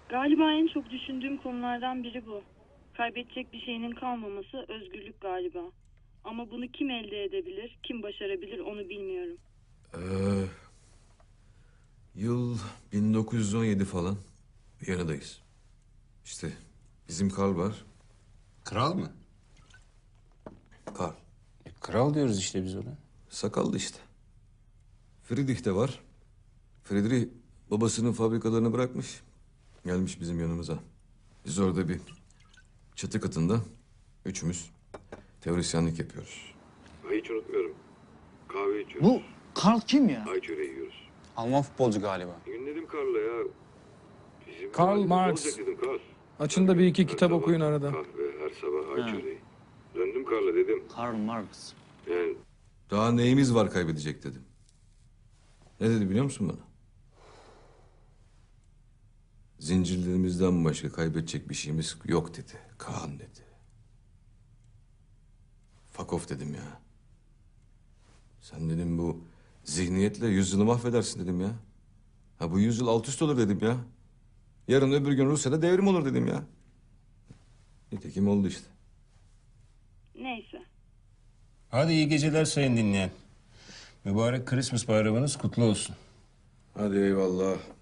Galiba en çok düşündüğüm konulardan biri bu. Kaybedecek bir şeyinin kalmaması özgürlük galiba. Ama bunu kim elde edebilir, kim başarabilir onu bilmiyorum. Yıl 1917 falan. Viyana'dayız. İşte bizim Karl var. Kral mı? Karl. Kral diyoruz işte biz ona. Sakallı işte. Friedrich de var. Friedrich babasının fabrikalarını bırakmış. Gelmiş bizim yanımıza. Biz orada bir çatı katında üçümüz teorisyenlik yapıyoruz. Hiç unutmuyorum. Kahve içiyoruz. Bu Karl kim ya? Ay çöreği yiyoruz. Alman futbolcu galiba. Gün dedim Karl'a ya. Bizim Karl halimiz Marx. olacak dedim Karl. Açın da bir iki Her kitap sabah okuyun arada. Kahve, her sabah ay çöreği. Döndüm Karl'a dedim. Karl Marx. Yani Daha neyimiz var kaybedecek dedim. Ne dedi biliyor musun bana? Zincirlerimizden başka kaybedecek bir şeyimiz yok dedi. Kaan dedi. Fuck off dedim ya. Sen dedim bu zihniyetle yüzyılı mahvedersin dedim ya. Ha bu yüzyıl alt üst olur dedim ya. Yarın öbür gün Rusya'da devrim olur dedim ya. Nitekim oldu işte. Neyse. Hadi iyi geceler sayın dinleyen. Mübarek Christmas bayramınız kutlu olsun. Hadi eyvallah.